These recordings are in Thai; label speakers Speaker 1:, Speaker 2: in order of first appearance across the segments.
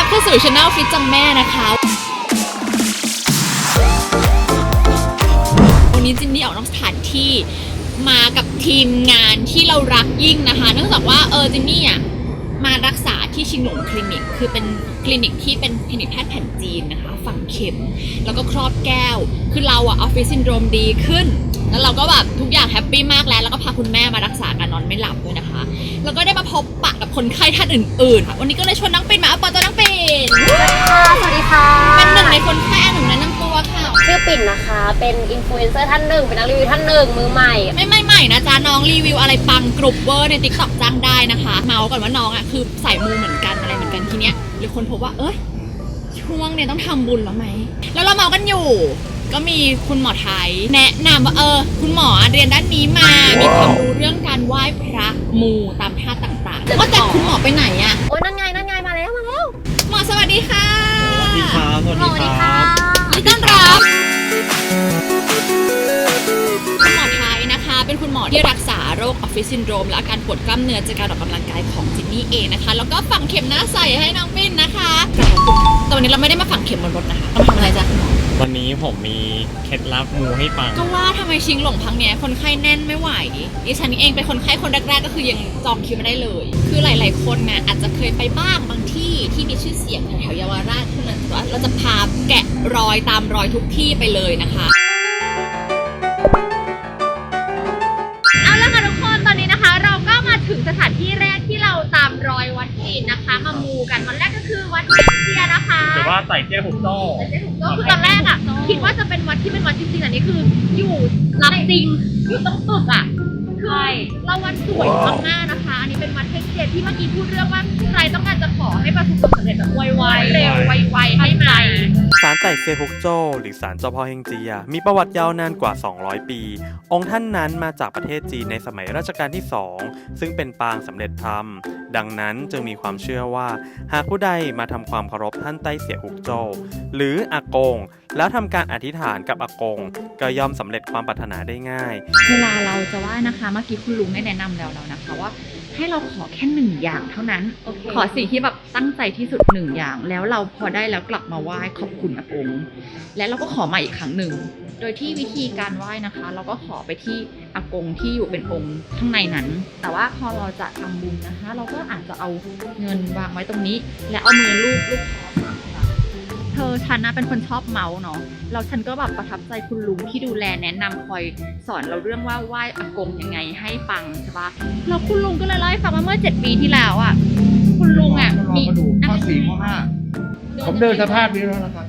Speaker 1: เข้าสู่ช anel ฟิตจังแม่นะคะวันนี้จินนี่ออกนอกสถานที่มากับทีมงานที่เรารักยิ่งนะคะเนื่องจากว่าจินนี่อ่ะมารักษาที่ชิงหลงคลินิกคือเป็นคลินิกที่เป็นคลินิกแพทย์แผนจีนนะคะฝังเข็มแล้วก็ครอบแก้วคือเราอะออฟฟิศซินโดรมดีขึ้นแล้วเราก็แบบทุกอย่างแฮปปี้มากแล้วก็พาคุณแม่มารักษาการนอนไม่หลับด้วยนะคะแล้วก็ได้มาพบปะกับคนไข้ท่านอื่นๆค่ะวันนี้ก็เลยชวนน้องปิ่นมาเอาปอตัวน้องปิ่น
Speaker 2: สวัสดีค่ะ
Speaker 1: เป็นหนึ่งในคนไข้หนึ่งแนะนำตัวค่ะ
Speaker 2: ชื่อปิ่นนะคะเป็นอินฟลูเอนเซอร์ท่านหนึ่งเป็นนักรีวิวท่านหนึ่งมือใหม่
Speaker 1: ไม่ใหม่นะจ๊ะน้องรีวิวอะไรปังกรุบเวอร์ใน TikTok จ้างได้นะคะเมาส์ก่อนว่าน้องอ่ะคือสายมูเหมือนกันอะไรเหมือนกันทีเนี้ยหรือคนพบว่าช่วงเนี่ยต้องทำบุญแล้วไหมแล้วเราเมากันอยู่ก็มีคุณหมอไทยแนะนำว่าคุณหมอเรียนด้านนี้มามีความรู้เรื่องการไหว้พระมูตามท่าต่างๆว่าแต่คุณหมอไปไหนอะ
Speaker 2: โอ้ยนั่นไงมาแล้ว
Speaker 1: หมอสวัสดีค่ะ
Speaker 3: สวัสดีครับสวัสดีครับ
Speaker 1: ยินดีต้อนรับคุณหมอไทยนะคะเป็นคุณหมอที่รักษาโรคออฟฟิศซินโดรมและอาการปวดกล้ามเนื้อจากการออกกำลังกายของจินนี่เองนะคะแล้วก็ฝังเข็มหน้าใสให้น้องปิ้นนะคะแต่วันนี้เราไม่ได้มาฝังเข็มบนรถนะคะเรามาทำอะไรจ๊ะคุณหมอ
Speaker 3: วันนี้ผมมีเคล็ดลับมูให้ฟัง
Speaker 1: ก็ว่าทำไมชิงหลงครั้งเนี้ยคนไข้แน่นไม่ไหวดิฉันเองเป็นคนไข้คนแรกๆก็คือยังจองคิวไม่ได้เลยคือหลายๆคนเนี่ยอาจจะเคยไปบ้างบางที่ที่มีชื่อเสียงแถวเยาวราชเท่านั้นแต่ว่าเราจะพาแกะรอยตามรอยทุกที่ไปเลยนะคะเอาละค่ะทุกคนตอนนี้นะคะเราก็มาถึงสถานที่แรกที่เราตามรอยวัดจีนนะคะมามูกันวันแรกก็คือวัดเจียนะคะ
Speaker 3: แต่ว่าใส่เจ้หุบโต้
Speaker 1: คือตอนแรกอ่ะคิดว่าจะเป็นวัดที่เป็นวัดจริงๆอันนี้คืออยู่รับจริงอยู่ตรงตึกอ่ะคือเราวัดสวยมากๆนะคะอันนี้เป็นวัดเทคเจที่เมื่อกี้พูดเรื่องว่าใครต้องการจะขอให้ประสบความสำเร็จแบบไวๆเร็วไวๆให้ไหม
Speaker 4: ศาลไต่เซียฮุกโจ้หรือศาลเจ้าพ่อเฮงเจียมีประวัติยาวนานกว่า200ปีองค์ท่านนั้นมาจากประเทศจีนในสมัยรัชกาลที่2ซึ่งเป็นปางสำเร็จธรรมดังนั้นจึงมีความเชื่อว่าหากผู้ใดมาทำความเคารพท่านไต้เสียฮุกโจ้หรืออากงแล้วทำการอธิษฐานกับอากงก็ย่อมสำเร็จความปรารถนาได้ง่าย
Speaker 1: เวลาเราจะไหว้นะคะเมื่อกี้คุณลุงได้แนะนำแล้วนะคะว่าให้เราขอแค่1อย่างเท่านั้น ขอสิ่งที่แบบตั้งใจที่สุด1อย่างแล้วเราพอได้แล้วกลับมาไหว้ขอบคุณอากงและเราก็ขอมาอีกครั้งหนึ่งโดยที่วิธีการไหว้นะคะเราก็ขอไปที่อากงที่อยู่เป็นองค์ข้างในนั้นแต่ว่าพอเราจะทำบุญนะคะเราก็อาจจะเอาเงินวางไว้ตรงนี้และเอามือลูบคอฉันนะเป็นคนชอบเมาส์เนาะแล้วฉันก็แบบประทับใจคุณลุงที่ดูแลแนะนำคอยสอนเราเรื่องว่าไหว้อากงยังไงให้ปังใช่ปะแล้วคุณลุงก็เลยเล่าให้ฟังว่าเมื่อ7 ปีที่แล้วอ่ะคุณลุงอ่ะมี
Speaker 5: ข้อ4 ข้อ 5ผมเดินสภาพนี้แล้วนะครับ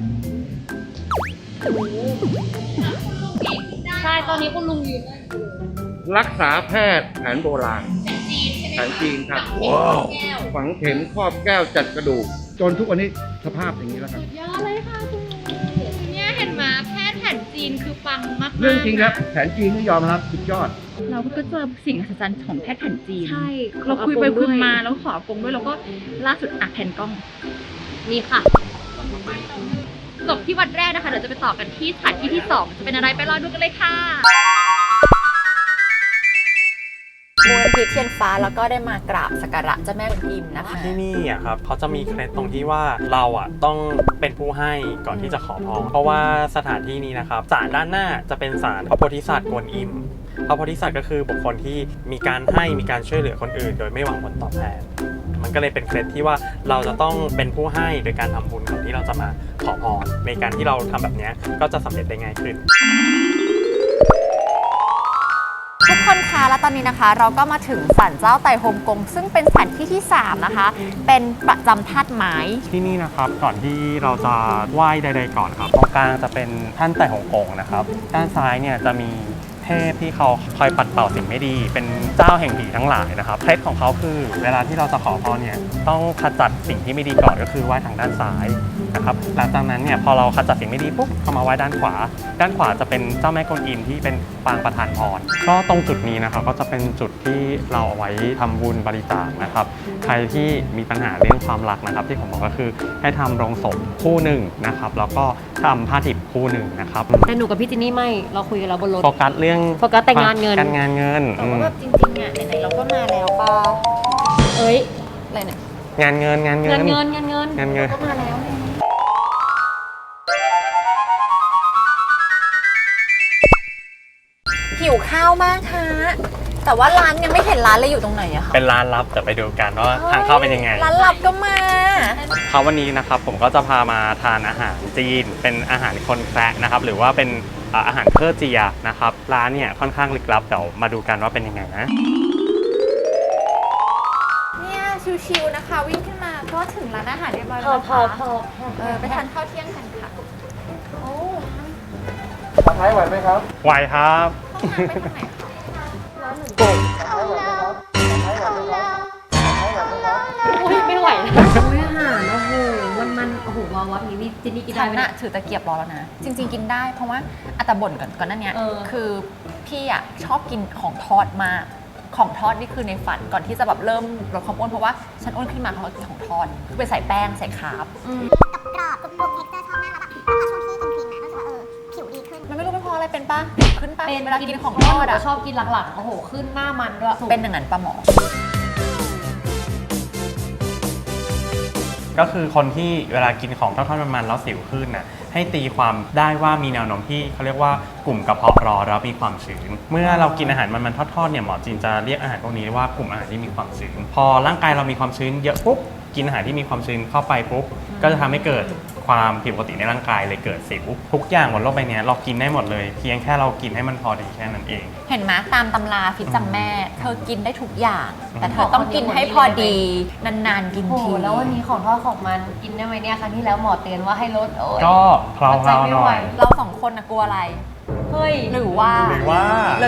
Speaker 1: ใช่ตอนนี้คุณลุงยืน
Speaker 5: รักษาแพทย์แผนโบราณแผนจีนครับฝังเข็มครอบแก้วจัดกระดูกจนทุกวันนี้สภาพอย่างนี้แล้วครับ
Speaker 1: ยอดเลยค่ะคุณเนี่ยเห็นไหมแพทย์แผนจีนคือปังมากๆ
Speaker 5: เรื่องจริงครับแผนจีนนี่ยอมรับสุดยอด
Speaker 1: เราก็เจอสิ่งมหัศจรรย์ของแพทย์แผนจีน
Speaker 2: ใช่
Speaker 1: เราคุยไปคุยมาแล้วขออากงด้วยแล้วก็ล่าสุดแผ่นกล้อง
Speaker 2: นี่ค่ะ
Speaker 1: จบที่วัดแรกนะคะเดี๋ยวจะไปต่อกันที่สถานที่ที่2จะเป็นอะไรไปรอดูกันเลยค่ะ
Speaker 2: มูลนิธิเทียนฟ้าแล้วก็ได้มากราบสักการะเจ้าแม่กวนอิมนะคะ
Speaker 4: ที่นี่อ่ะครับเขาจะมีเคล็ดตรงที่ว่าเราอ่ะต้องเป็นผู้ให้ก่อนที่จะขอพรเพราะว่าสถานที่นี้นะครับศาลด้านหน้าจะเป็นศาลพระโพธิสัตว์กวนอิมพระโพธิสัตว์ก็คือบุคคลที่มีการให้มีการช่วยเหลือคนอื่นโดยไม่หวังผลตอบแทนมันก็เลยเป็นเคล็ดที่ว่าเราจะต้องเป็นผู้ให้โดยการทำบุญก่อนที่เราจะมาขอพรในการที่เราทำแบบนี้ก็จะสำเร็จได้ง่ายขึ้น
Speaker 2: ทุกคนคะและตอนนี้นะคะเราก็มาถึงศาลเจ้าไต่ฮงกงซึ่งเป็นสถานที่ที่3นะคะเป็นประจำธาตุไม้
Speaker 4: ที่นี่นะครับก่อนที่เราจะไหว้ใดๆก่อนครับตรงกลางจะเป็นท่านไต่ฮงกงนะครับด้านซ้ายเนี่ยจะมีเทพที่เขาคอยปัดเป่าสิ่งไม่ดีเป็นเจ้าแห่งผีทั้งหลายนะครับเคล็ดของเขาคือเวลาที่เราจะขอพรเนี่ยต้องขจัดสิ่งที่ไม่ดีก่อนก็คือไหว้ทางด้านซ้ายนะครับหลังจากนั้นเนี่ยพอเราขจัดสิ่งไม่ดีปุ๊บเข้ามาไหว้ด้านขวาจะเป็นเจ้าแม่กวนอิมที่เป็นปางประทานพรก็ตรงจุดนี้นะครับก็จะเป็นจุดที่เราเอาไว้ทำบุญบริจาคนะครับใครที่มีปัญหาเรื่องความรักนะครับที่ผมบอกก็คือให้ทำโรงศพคู่หนึ่งนะครับแล้วก็ทำผ้าดิบคู่หนึ่งนะครับ
Speaker 2: แต่หนูกับพี่จินนี่ไม่เราคุยกันแล้วบนรถ
Speaker 4: โฟกัสเรื่อง
Speaker 2: โฟกัสแต่งานเงิน
Speaker 4: แต่ว่าแบบจริงๆอ่ะไหนๆเราก็มาแล้วป่ะ
Speaker 2: เอ้ยอะไรเนี่ย
Speaker 4: งานเงิน
Speaker 2: เงิน
Speaker 4: ก็มาแล้ว หิวข้าวมากฮะแต่ว่าร้านยังไม่เห็นร้านเลยอยู่ตรงไหนอะคะเป็นร้านลับแต่ไปดูกันว่าทางเข้าเป็นยังไง
Speaker 2: ร้านลับก็มา
Speaker 4: ครับวันนี้นะครับผมก็จะพามาทานอาหารจีนเป็นอาหารคนแคระนะครับหรือว่าเป็นอาหารเคอร์เจียนะครับร้านเนี่ยค่อนข้างลึกลับเดี๋ยวมาดูกันว่าเป็นยังไงนะ
Speaker 2: เนี่ยชิวๆนะคะ วิ่งขึ้นมาก็ถึงร้านอาหารเรียบร้อยแล้วนะคะไปทานข้าวเที่ยงกันค่ะโอ้
Speaker 5: ไทยไหวไหมครับ
Speaker 4: ไหวครับ
Speaker 2: ต้องมาไปทางไหนคะ
Speaker 6: อุ้ยไม่ไหวแล้วอุ้ยอาหารโอ้โหมันโอ้โหวาววับนี้นี่จินนี่กินได้
Speaker 2: ฉัน
Speaker 6: ไหม
Speaker 2: น่ะถือตะเกียบรอแล้วนะ จริง ๆ กินได้เพราะว่าอัตบ่นก่อนหน้านี้
Speaker 6: เออ
Speaker 2: คือพี่อ่ะชอบกินของทอดมาก ของทอดนี่คือในฝันก่อนที่จะแบบเริ่มลดความอ้วนเพราะว่าฉันอ้วนขึ้นมาเพราะกินของทอดคือไปใส่แป้งใส่คาร์บ
Speaker 7: กรอบกรุบๆเท็กเจอร์ชอบมากแล้วแบบพอช่วงที่กินครีมมาก็รู้สึกว่าผิวดีขึ้น
Speaker 2: มันไม่รู้เป็นเพราะอะไรเป็นปะขึ้นปะ
Speaker 6: เป็น
Speaker 2: เวลากินของ
Speaker 6: ท
Speaker 2: ท
Speaker 6: อ
Speaker 2: อ
Speaker 6: ด
Speaker 2: ด
Speaker 6: อะ
Speaker 2: อ่ะ
Speaker 6: ชอบกินหลักๆโอ้โหขึ้นหน้ามันด้วย
Speaker 2: เป็นอย่างนั้นปะหมอ
Speaker 4: ก็คือคนที่เวลากินของทอดๆมันๆแล้วสิวขึ้นน่ะให้ตีความได้ว่ามีแนวโน้มที่เขาเรียกว่ากลุ่มกระเพาะร้อนแล้วมีความชื้นเมื่อเรากินอาหารมันๆทอดๆเนี่ยหมอจีนจะเรียกอาหารพวกนี้ว่ากลุ่มอาหารที่มีความชื้นพอร่างกายเรามีความชื้นเยอะปุ๊บกินอาหารที่มีความชื้นเข้าไปปุ๊บก็จะทำให้เกิดความผิดปกติในร่างกายเลยเกิดสิวทุกอย่างบนโลกใบนี้เรากินได้หมดเลยเพียงแค่เรากินให้มันพอดีแค่นั้นเอง
Speaker 2: เห็นไหมตามตำราฟิตจังแม่ เธอกินได้ทุกอย่าง แต่เธอต้องกินให้พอดี นานๆกิน
Speaker 6: โอ้โห
Speaker 2: ที
Speaker 6: แล้ววันนี้ของทอดของมันกินได้ไหมเนี่ยครั้งที่แล้วหมอเตือนว่าให้ลดโอ้ย
Speaker 4: ก็เพลาๆหน่อย
Speaker 2: เราสองคนนะกลัวอะไร
Speaker 6: เฮ้ย
Speaker 2: หรือว่า
Speaker 4: หรือว่า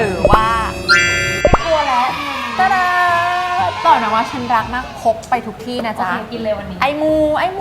Speaker 6: กลัวแล้ว
Speaker 2: ตาดาบอกนะว่าฉันรักมากพกไปทุกที่นะ
Speaker 6: โอ
Speaker 2: จ๊ะ
Speaker 6: เคกินเลยวันนี้
Speaker 2: ไอมู
Speaker 6: ไอโม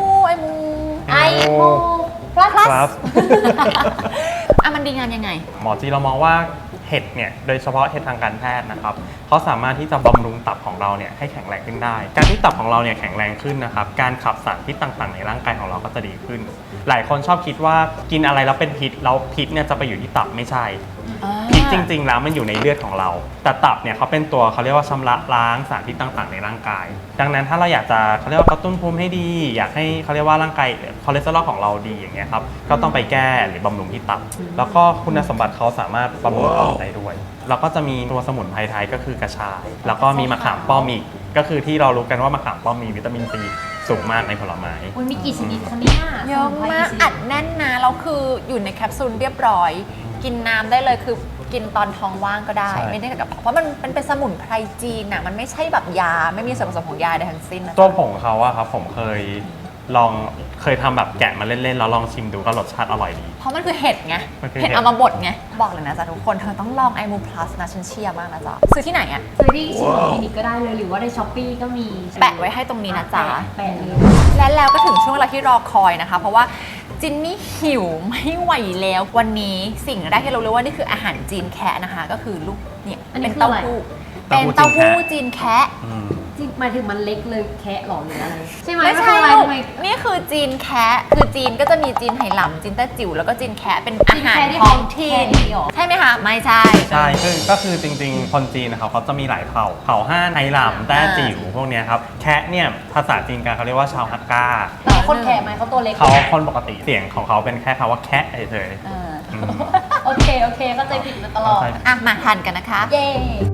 Speaker 6: พลัส
Speaker 4: ครับ
Speaker 2: อ่ะมันดีงานยังไง
Speaker 4: หมอจีเรามองว่าเห็ดเนี่ยโดยเฉพาะเห็ดทางการแพทย์นะครับเขาสามารถที่จะบำรุงตับของเราเนี่ยให้แข็งแรงขึ้นได้ การที่ตับของเราเนี่ยแข็งแรงขึ้นนะครับการขับสารพิษต่างๆในร่างกายของเราก็จะดีขึ้น หลายคนชอบคิดว่ากินอะไรแล้วเป็นพิษแล้วพิษเนี่ยจะไปอยู่ที่ตับไม่ใช่พิษจริงๆแล้วมันอยู่ในเลือดของเรา แต่ตับเนี่ยเขาเป็นตัวเขาเรียกว่าชำระล้างสารพิษต่างๆในร่างกาย ดังนั้นถ้าเราอยากจะเขาเรียกว่ากระตุ้นภูมิให้ดี อยากให้เขาเรียกว่าร่างกายคอเลสเตอรอลของเราดีอย่างเงี้ยครับก็ต้องไปแก้หรือบำรุงที่ตับ แล้วก็คุณสมบัติเขาสามารถบำรุงตับได้ด้วย แล้วก็จะมีตัวสมุนไพรไทยก็คือกระชาย แล้วก็มีมะขามป้อมอีกก็คือที่เรารู้กันว่ามะขามป้อมมีวิตามินซีสูงมากในผลไม้
Speaker 6: อุ้ยมีกี่ชนิดคะเนี่ย
Speaker 2: เยอะมากอัดแน่นนะแล้วคืออยู่ในแคปซูลเรียบร้อย กินน้ำได้เลยคือกินตอนท้องว่างก็ได้
Speaker 4: ใช่
Speaker 2: ไม่ได้กับเพราะมันเป็นสมุนไพรจีนน่ะมันไม่ใช่แบบยาไม่มีส่วนผสมของยาใดทั้งสิ้นนะ
Speaker 4: ตัวผงเขาอะครับผมเคยทำแบบแกะมาเล่นๆแล้วลองชิมดูก็รสชาติอร่อยดี
Speaker 2: เพราะมันคือเห็ดไง
Speaker 4: มันคือเห็
Speaker 2: เห็
Speaker 4: ด
Speaker 2: ดเอามาบดไงบอกเลยนะจ๊ะทุกคนเธอต้องลองไอมูพลัสนะฉันเชียร์มากนะจ๊ะซื้อที่ไหนอะ
Speaker 6: ซื้อที่ชิมคลินิกก็ได้เลยหรือว่าในช้อปปี้ก็มี
Speaker 2: แปะไว้ให้ตรงนี้นะจ๊ะ
Speaker 6: แปะเลย
Speaker 2: และแล้วก็ถึงช่วงเวลาที่รอคอยนะคะ เพราะว่าจินนี่หิวไม่ไหวแล้ววันนี้สิ่งแรกที่เรารู้ว่านี่คืออาหารจีนแคะนะคะ ก็คือลูกเนี่ยเป็นเต้าหู้เป็นเต้าหู้จีนแคะ
Speaker 6: จริงหมายถึงมันเล็กเลยแคะหรอหรืออะไรใช่ไหม
Speaker 2: ไม่ใช่
Speaker 6: น
Speaker 2: ลู
Speaker 6: ทำ
Speaker 2: ก
Speaker 6: ไม
Speaker 2: นี่คือจีนแคะคือจีนก็จะมีจีนไหหลำจีนแต้จิ๋วแล้วก็จีนแคะเป็นอาหารท้องถิ่นใช่ไหมคะไม่ใช่
Speaker 4: ใช่ก็คือจริงๆ คนจีนนะครับเขาจะมีหลายเผ่าห้านไหหลำแต้จิ๋วพวกเนี้ยครับแคะเนี่ยภาษาจีนกันเขาเรียกว่าชาวฮักกา
Speaker 6: แต่คนแคะไหมเขาตัวเล็ก
Speaker 4: เขาคนปกติเสียงของเขาเป็นแค่คำว่าแคะเฉย
Speaker 2: เออ
Speaker 4: ๆอืม
Speaker 6: โอเคเข้าใจผิดมาตลอด
Speaker 2: อ่ะมาทานกันนะคะ
Speaker 6: เย้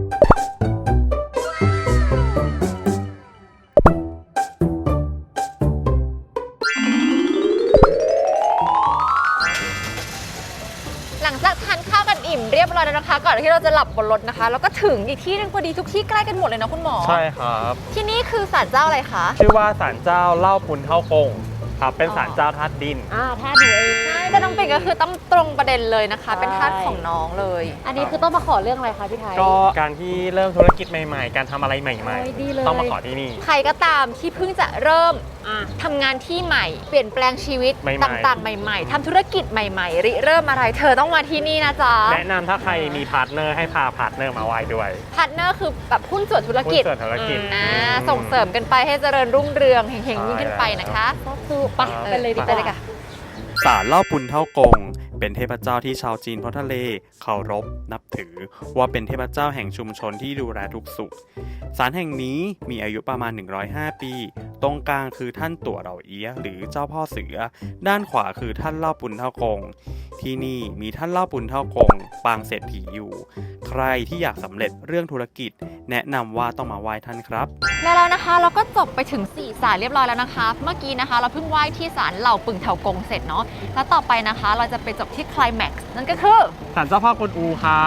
Speaker 2: หลังจากทานข้าวกันอิ่มเรียบร้อยแล้วนะคะ ก่อนที่เราจะหลับบนรถนะคะ แล้วก็ถึงอีกที่หนึงพอดีทุกที่ใกล้กันหมดเลยนะคุณหมอ
Speaker 4: ใช่ครับ
Speaker 2: ที่นี่คือศาลเจ้าอะไรคะ
Speaker 4: ชื่อว่าศาลเจ้าเล่าปุนเท่ากงครับเป็นศาลเจ้าธาตุดิน
Speaker 6: ถ้าดูเอง
Speaker 2: ใช่แต่น้องปิ่นก็คือต้องตรงประเด็นเลยนะคะ เป็นทาสของน้องเลย
Speaker 6: อันนี้คือต้องมาขอเรื่องอะไรคะพี่ไทย
Speaker 4: ก็การที่เริ่มธุรกิจใหม่ๆ การทำอะไรใหม่
Speaker 6: โอ้ยดีเลย
Speaker 4: ๆ ต้องมาขอที่นี่
Speaker 2: ใครก็ตามที่เพิ่งจะเริ่ม
Speaker 6: อ่ะ
Speaker 2: ทำงานที่ใหม่ เปลี่ยนแปลงชีวิต
Speaker 4: ใหม่ๆ
Speaker 2: ต่างๆ ใหม่ ๆทำธุรกิจใหม่ๆริเริ่มอะไรเธอต้องมาที่นี่นะจ๊ะ
Speaker 4: แนะนำถ้าใครมีพาร์ทเนอร์ให้พาพาร์ทเนอร์มาไหว้ด้วย
Speaker 2: พาร์ทเนอร์คือแบบหุ้นส่วนธุรกิจ
Speaker 4: หุ้นส่วนธุรกิจ
Speaker 2: ส่งเสริมกันไปให้เจริญรุ่งเรืองเฮงๆยิ่งขึ้นไปนะคะ
Speaker 6: ก็คือปะไปเลยดีก
Speaker 2: ไป
Speaker 6: ว่า
Speaker 2: เลยค่ะ
Speaker 8: ศาลเล่าปุนเท่ากง เป็นเทพเจ้าที่ชาวจีนพ้นทะเลเคารพนับ
Speaker 4: ถือว่าเป็นเทพเจ้าแห่งชุมชนที่ดูแลทุกสุขศาลแห่งนี้มีอายุประมาณ105 ปีตรงกลางคือท่านตั๋วเหล่าเอี้ยหรือเจ้าพ่อเสือด้านขวาคือท่านเล่าปุนเท่ากงที่นี่มีท่านเล่าปุนเท่ากงปางเศรษฐีอยู่ใครที่อยากสำเร็จเรื่องธุรกิจแนะนำว่าต้องมาไหว้ท่านครับ
Speaker 2: แล้วนะคะเราก็จบไปถึง4ศาลเรียบร้อยแล้วนะคะเมื่อกี้นะคะเราเพิ่งไหว้ที่ศาลเหล่าปึงเถากงเสร็จเนาะแล้วต่อไปนะคะเราจะไปจบที่ไคลแม็กซ์นั่นก็คือ
Speaker 4: ศาลเจ้าพ่อกวนอูครับ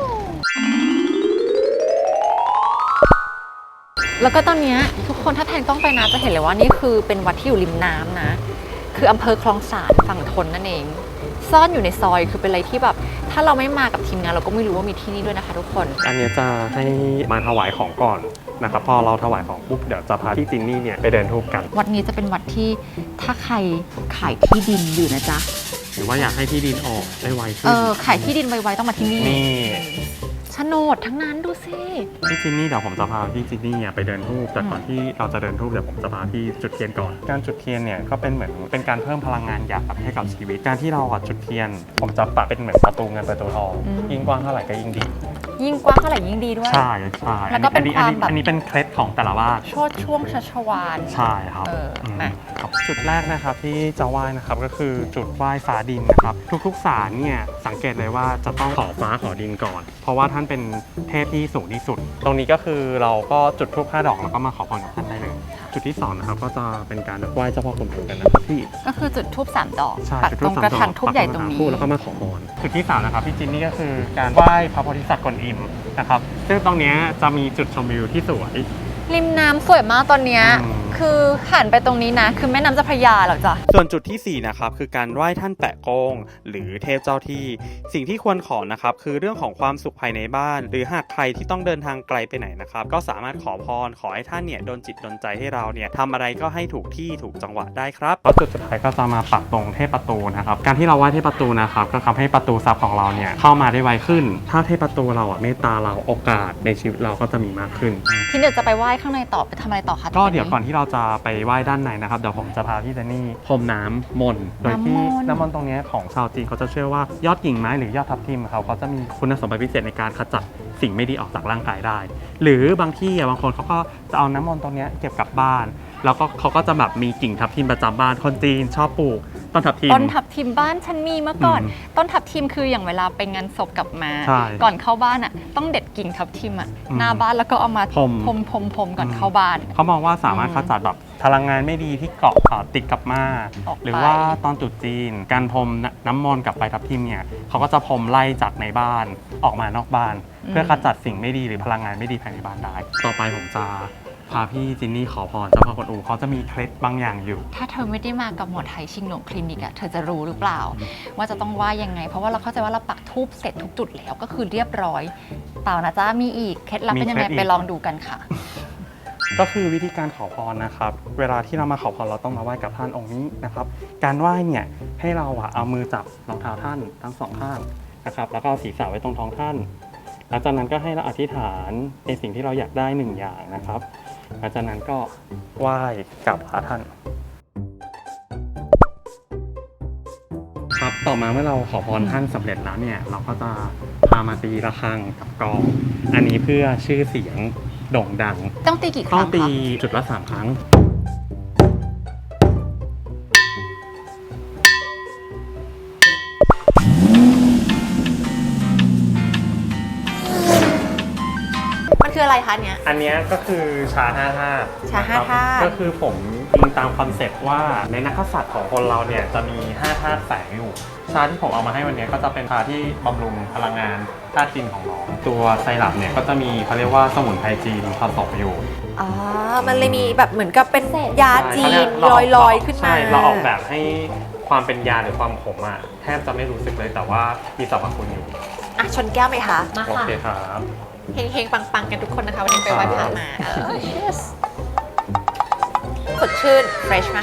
Speaker 2: แล้วก็ตอนนี้ทุกคนถ้าแพงต้องไปนะจะเห็นเลยว่านี่คือเป็นวัดที่อยู่ริมน้ำนะคืออำเภอคลองสานฝั่งทนนั่นเองซ่อนอยู่ในซอยคือเป็นอะไรที่แบบถ้าเราไม่มากับทีมงานเราก็ไม่รู้ว่ามีที่นี่ด้วยนะคะทุกคน
Speaker 4: อันนี้จะให้มาถวายของก่อนนะครับพอเราถวายของปุ๊บเดี๋ยวจะพาพี่จินนี่เนี่ยไปเดินทูบกัน
Speaker 2: วัดนี้จะเป็นวัดที่ถ้าใครขายที่ดินอยู่นะจ๊ะ
Speaker 4: หรือว่าอยากให้ที่ดินออกได้ไวขึ้น
Speaker 2: ขายที่ดินไวๆต้องมาที่นี่
Speaker 4: นี่
Speaker 2: โฉนดทั้งนั้นดูสิ
Speaker 4: พี่จินนี่เดี๋ยวผมจะพาพี่จินนี่ไปเดินทูบแต่ก่อนที่เราจะเดินทูบเดี๋ยวผมจะพาพี่จุดเทียนก่อนการจุดเทียนเนี่ยก็เป็นเหมือนเป็นการเพิ่มพลังงานหยาบให้กับชีวิตการที่เราจุดเทียน ผมจะปะเป็นเหมือนประตูเงินประตูทองยิ่งกว้างเท่าไหร่ก็ยิ่งดี
Speaker 2: ยิ่งกว้างเท่าไหร่ยิ่งดีด้วย
Speaker 4: ใช่ใช่
Speaker 2: แล้วก็เป็นความแบบ
Speaker 4: อันนี้เป็นเคล็ดของแต่ละบ้าน
Speaker 2: โชดช่วงชัชวาล
Speaker 4: ใช่ครับ
Speaker 2: มา
Speaker 4: ครับจุดแรกนะครับที่จะไหว้นะครับก็คือจุดไหว้ฟ้าดินนะครับทุกๆศาลเนี่ยสังเกตเลยว่าจะต้องขอฟ้าขอดินก่อน เพราะว่าท่านเป็นเทพที่สูงที่สุด ตรงนี้ก็คือเราก็จุดธูป5 ดอกแล้วก็มาขอพรกับท่านได้เลยจุดที่2นะครับก็จะเป็นการไหว้เจ้าพ่อกวนอูกันนะครับพี่
Speaker 2: ก็คือจุดทูบ3 ดอก
Speaker 4: ใช่
Speaker 2: ปัก
Speaker 4: จุด
Speaker 2: ตรงกระถางทูบใหญ่ตรงนี้
Speaker 4: แล้วก็มาขอพรจุดที่3นะครับพี่จินนี่ก็คือการไหว้พระโพธิสัตว์กวนอิมนะครับซึ่งตรงเนี้ยจะมีจุดชมวิวที่สวย
Speaker 2: ริมน้ำสวยมากตอนเนี้ย
Speaker 4: อืม
Speaker 2: คือหันไปตรงนี้นะ คือแม่น้ำเจ้าพระยาเหรอจ๊ะ
Speaker 4: ส่วนจุดที่4นะครับคือการไหว้ท่านแปะโกงหรือเทพเจ้าที่สิ่งที่ควรขอนะครับคือเรื่องของความสุขภายในบ้าน หรือหากใครที่ต้องเดินทางไกลไปไหนนะครับก็สามารถขอพรขอให้ท่านเนี่ยโดนจิตโดนใจให้เราเนี่ยทำอะไรก็ให้ถูกที่ถูกจังหวะได้ครับแล้วจุดสุดท้ายก็จะมาปักตรงเทพประตูนะครับการที่เราไหว้เทพประตูนะครับก็ทำให้ประตูทรัพย์ของเราเนี่ยเข้ามาได้ไวขึ้น ถ้าเทพประตูเราเมตตาเราโอกาสในชีวิตเราก็จะมีมากขึ้น
Speaker 2: ที่เดี๋ยวจะไปไหว้ข้างในต่อไปทำอะไรต่อคะ
Speaker 4: ก็เดี๋ยวก่อนที่เราจะไปไหว้ด้านในนะครับเดี๋ยวผมจะพาพี่เจนนี่พรมน้ำมนต์โดยที่น้ำมนต์ตรงนี้ของชาวจีนเขาจะเชื่อว่ายอดกิ่งไม้หรือยอดทับทิมเขาจะมีคุณสมบัติพิเศษในการขจัดสิ่งไม่ดีออกจากร่างกายได้ หรือบางที่บางคนเขาก็จะเอาน้ำมนต์ตรงนี้เก็บกลับบ้านแล้วก็เขาก็จะแบบมีกิ่งทับทิมประจำบ้านคนจีนชอบปลูกต้นทับทิม
Speaker 2: ต้นทับทิมบ้านฉันมีเมื่อก่อน
Speaker 4: อืม
Speaker 2: ต้นทับทิมคืออย่างเวลาไปงานศพกลับมา
Speaker 4: ใช่
Speaker 2: ก่อนเข้าบ้านอ่ะต้องเด็ดกิ่งทับทิมอ่ะ
Speaker 4: อืม
Speaker 2: หน้าบ้านแล้วก็เอามา
Speaker 4: พรม
Speaker 2: พรมก่อนเข้าบ้าน
Speaker 4: เขามองว่าสามารถขจัดแบบพลังงานไม่ดีที่เกาะติดกับมา
Speaker 2: ออกไป
Speaker 4: หรือว่าตอนตรุษจีนการพรมน้ำมนต์กับใบทับทิมเนี่ยเขาก็จะพรมไล่จากในบ้านออกมานอกบ้าน เพื่อขจัดสิ่งไม่ดีหรือพลังงานไม่ดีภายในบ้านได้ ต่อไปผมจะพาพี่จินนี่ขอพรเจ้าพ่อกวนอูเขาจะมีเคล็ดบางอย่างอยู่
Speaker 2: ถ้าเธอไม่ได้มากับหมอไทยชิงหลงคลินิกอะเธอจะรู้หรือเปล่า ว่าจะต้องว่ายังไง เพราะว่าเราเข้าใจว่าเราปักทูบเสร็จทุกจุดแล้วก็คือเรียบร้อย เปล่านะจ๊ะมีอีกเคล็ดลับเป็นยังไง
Speaker 4: มีเคล็ดอีก
Speaker 2: ไปลองดูกันค่ะ
Speaker 4: ก็คือวิธีการขอพรนะครับ เวลาที่เรามาขอพรเราต้องมาไหว้กับท่านองค์นี้นะครับ การไหว้เนี่ยให้เราเอามือจับรองเท้าท่านทั้งสองข้างนะครับ แล้วก็เอาศีรษะไว้ตรงท้องท่าน หลังจากนั้นก็ให้เราอธิษฐานในสิ่งที่เราอยากได้หนึ่งอย่างนะครับ หลังจากนั้นก็ไหว้กับพระท่าน ครับต่อมาเมื่อเราขอพรท่านสำเร็จแล้วเนี่ยเราก็จะพามาตีระฆังกับกลอง อันนี้เพื่อชื่อเสียงโด่งดัง
Speaker 2: ต้องตีกี่ค
Speaker 4: ต้อ
Speaker 2: รั้
Speaker 4: ง
Speaker 2: ง
Speaker 4: ตี
Speaker 2: คะ
Speaker 4: จุดละ3 ครั้ง
Speaker 2: มันคืออะไรคะเนี้ย
Speaker 4: อันเนี้ยก็คือชา5 ธาตุ
Speaker 2: ชาห้า
Speaker 4: นะครับ
Speaker 2: ธาตุ
Speaker 4: ก็คือผมอิงตามคอนเซ็ปต์ว่าในนักกษัตริย์ของคนเราเนี่ยจะมี5 ธาตุแฝงอยู่ ชาที่ผมเอามาให้วันนี้ก็จะเป็นชาที่บำรุงพลังงานธาตุจีนของน้อง ตัวไซรัปเนี่ยก็จะมีเขาเรียกว่าสมุนไพรจีนผสมอยู่
Speaker 2: อ๋อ มันเลยมีแบบเหมือนกับเป็นยาจีน
Speaker 4: ใช่
Speaker 2: ลอยๆขึ้นมา
Speaker 4: ใช่เราออกแบบให้ความเป็นยาหรือความขมอ่ะแทบจะไม่รู้สึกเลยแต่ว่ามีสรรพคุณอยู่
Speaker 2: อ่ะชนแก้วไหมคะ
Speaker 6: มา
Speaker 4: โอ
Speaker 6: ค่ะ
Speaker 4: เคครับ
Speaker 2: เฮงๆ ปังๆ กันทุกคนนะคะ วันนี้ไปไหว้พระมาcheers สดชื่น เฟรชมากจ้ะ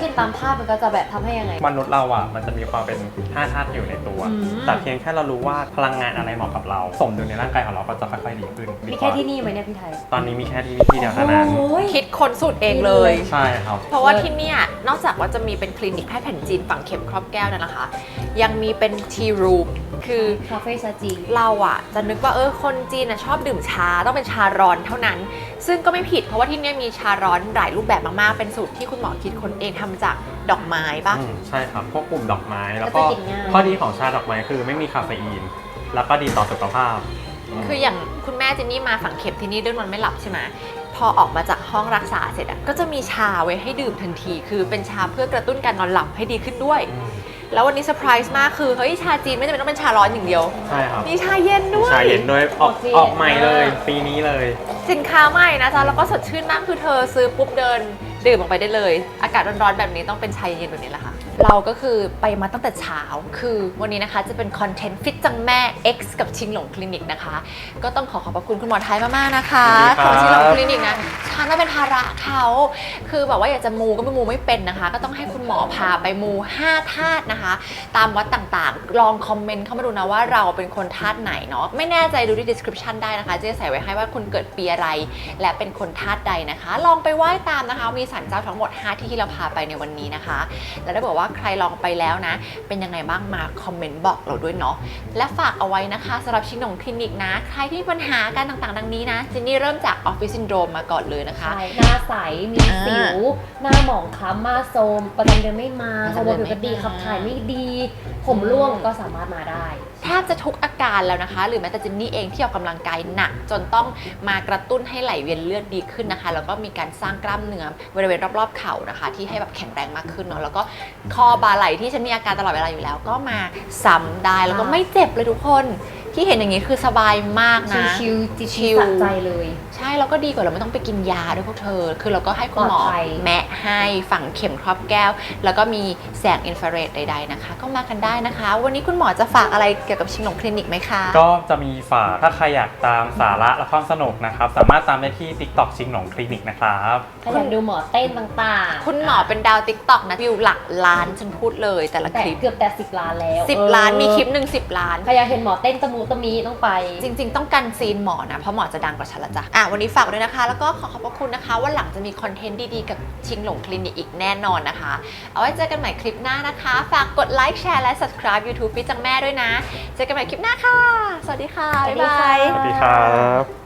Speaker 6: เห็นตามภาพมันก็จะแบบทำให้ยังไง
Speaker 4: มนุษย์เราอ่ะมันจะมีความเป็น5 ธาตุอยู่ในตัว แต่เพียงแค่เรารู้ว่าพลังงานอะไรเหมาะกับเรา สมดุลในร่างกายของเราก็จะค่อยๆดีขึ้น
Speaker 6: มีแค่ที่นี่ไหมเนี่ยพี่ไทย
Speaker 4: ตอนนี้มีแค่ที่นี่ที่เดียวเท่านั้น
Speaker 6: โอ้ย
Speaker 2: คิดค้นสูตรเองเลย
Speaker 4: ใช่ครับ
Speaker 2: เพราะว่าที่เนี่ยนอกจากว่าจะมีเป็นคลินิกแพทย์แผนจีนฝังเข็มครอบแก้วนั่นนะคะ ยังมีเป็นทีรูมคือ
Speaker 6: คาเฟ่ชาจีน
Speaker 2: เราอะจะนึกว่าคนจีนอะชอบดื่มชาต้องเป็นชาร้อนเท่านั้น ซึ่งก็ไม่ผิดเพราะว่าที่เนี่ยมีชาร้อนหลายรูปแบบมากๆ เป็นสูตรที่คุณหมอคิดค้นเองทำจากดอกไม้ปะ
Speaker 4: ใช่ครับ พวกกลุ่มดอกไม้ แล้ว
Speaker 6: ก็
Speaker 4: ก็
Speaker 6: จะกินง่าย
Speaker 4: ข้อดีของชาดอกไม้คือไม่มีคาเฟอีน แล้วก็ดีต่อสุขภาพ
Speaker 2: คืออย่างคุณแม่เจนนี่มาฝังเข็มที่นี่ด้วยนอนไม่หลับใช่ไหมพอออกมาจากห้องรักษาเสร็จอะก็จะมีชาไว้ให้ดื่มทันที คือเป็นชาเพื่อกระตุ้นการนอนหลับให้ดีขึ้นด้วย แล้ววันนี้เซอร์ไพรส์มากคือเฮ้ยชาจีนไม่จำเป็นต้องเป็นชาร้อนอย่างเดียว
Speaker 4: ใช่ครับ
Speaker 2: มีชาเย็นด้วย
Speaker 4: ชาเย็นด้วยออก
Speaker 6: โอเค
Speaker 4: ออกใหม่เลย ปีนี้เลย
Speaker 2: สินค้าใหม่นะจ๊ะแล้วก็สดชื่นมากคือเธอซื้อปุ๊บเดินดื่มออกไปได้เลย อากาศร้อนๆแบบนี้ต้องเป็นชาเย็นแบบนี้แหละค่ะเราก็คือไปมาตั้งแต่เช้าคือวันนี้นะคะจะเป็นคอนเทนต์ฟิตจังแม่ X กับชิงหลงคลินิกนะคะก็ต้องขอบพระคุณคุณหมอไทยมากๆนะคะ
Speaker 4: ยินดีครับ
Speaker 2: ของชิงหลงคลินิกนะฉันว่าเป็นภาระเขาคือแบบว่าอยากจะมูก็ไม่มูไม่เป็นนะคะ ก็ต้องให้คุณหมอพาไปมู5 ธาตุนะคะ ตามวัดต่างๆ ลองคอมเมนต์เข้ามาดูนะว่าเราเป็นคนธาตุไหนเนาะไม่แน่ใจดูที่ description ได้นะคะจะใส่ไว้ให้ว่าคุณเกิดปีอะไร และเป็นคนธาตุใดนะคะ ลองไปไหว้ตามนะคะมีศาลเจ้าทั้งหมด5ที่ที่เราพาไปในวันนี้นะคะ และถ้าบอกว่าใครลองไปแล้วนะ เป็นยังไงบ้างมาคอมเมนต์บอกเราด้วยเนาะและฝากเอาไว้นะคะสำหรับชิงหนงคลินิกนะ ใครที่มีปัญหาการต่างๆ ดังนี้นะจินนี่เริ่มจากออฟฟิศซินโดรมมาก่อนเลยนะคะ
Speaker 6: ใช่ หน้าใส มีสิว หน้าหมองคล้ำมาโทรมประจำเดือนไม่มาฮอร์โมนผิวพรรณดีขับถ่ายไม่ดี ผมร่วงก็สามารถมาได้
Speaker 2: แทบจะทุกอาการแล้วนะคะ หรือแม้แต่เจนนี่เองที่ออกกำลังกายหนัก จนต้องมากระตุ้นให้ไหลเวียนเลือดดีขึ้นนะคะ แล้วก็มีการสร้างกล้ามเนื้อบริเวณรอบๆเข่านะคะ ที่ให้แบบแข็งแรงมากขึ้นเนาะแล้วก็คอบ่าไหล่ที่ฉันมีอาการตลอดเวลาอยู่แล้ว ก็มาซ้ำได้แล้วก็ไม่เจ็บเลยทุกคนที่เห็นอย่างนี้คือสบายมากนะ
Speaker 6: ชิลๆจิต
Speaker 2: ชิล
Speaker 6: สะใจเลย
Speaker 2: ใช่แล้วก็ดีกว่าเราไม่ต้องไปกินยาด้วยพวกเธอ คือเราก็ให้คุณหมอ
Speaker 6: ปลอดภัย
Speaker 2: แมะให้ฝังเข็มครอบแก้ว แล้วก็มีแสงอินฟราเรดใดๆนะคะ ก็มากันได้นะคะ วันนี้คุณหมอจะฝากอะไรเกี่ยวกับชิงหลงคลินิกไหมคะ
Speaker 4: ก็จะมีฝากถ้าใครอยากตามสาระและความสนุกนะครับ สามารถตามได้ที่ TikTok ชิงหลงคลินิกนะครับ
Speaker 6: ถ้าอยากดูหมอเต้นต่างๆ
Speaker 2: คุณหมอเป็นดาวติ๊กต็อกนะวิวหลักล้านฉันพูดเลยแต่ละ
Speaker 6: แต่
Speaker 2: คลิป
Speaker 6: เกือบแต่10 ล้านแล้ว
Speaker 2: 10 ล้านมีคลิปหนึ่ง10 ล้าน
Speaker 6: ใครอยากเห็นหมอเต้นตะมูตะมีต้องไป
Speaker 2: จริงๆ ต้องกันซีนหมอนะ เพราะหมอจะดังกว่าฉันละจ้ะวันนี้ฝากด้วยนะคะ แล้วก็ขอขอบพระคุณนะคะ ว่าหลังจะมีคอนเทนต์ดีๆ กับชิงหลงคลินิกอีกแน่นอนนะคะ เอาไว้เจอกันใหม่คลิปหน้านะคะ ฝากกดไลค์แชร์และ subscribe YouTube ฟิตจังแม่ด้วยนะ เจอกันใหม่คลิปหน้าค่ะ สวัสดีค่ะ บ๊ายบาย
Speaker 4: สวัสดีครับ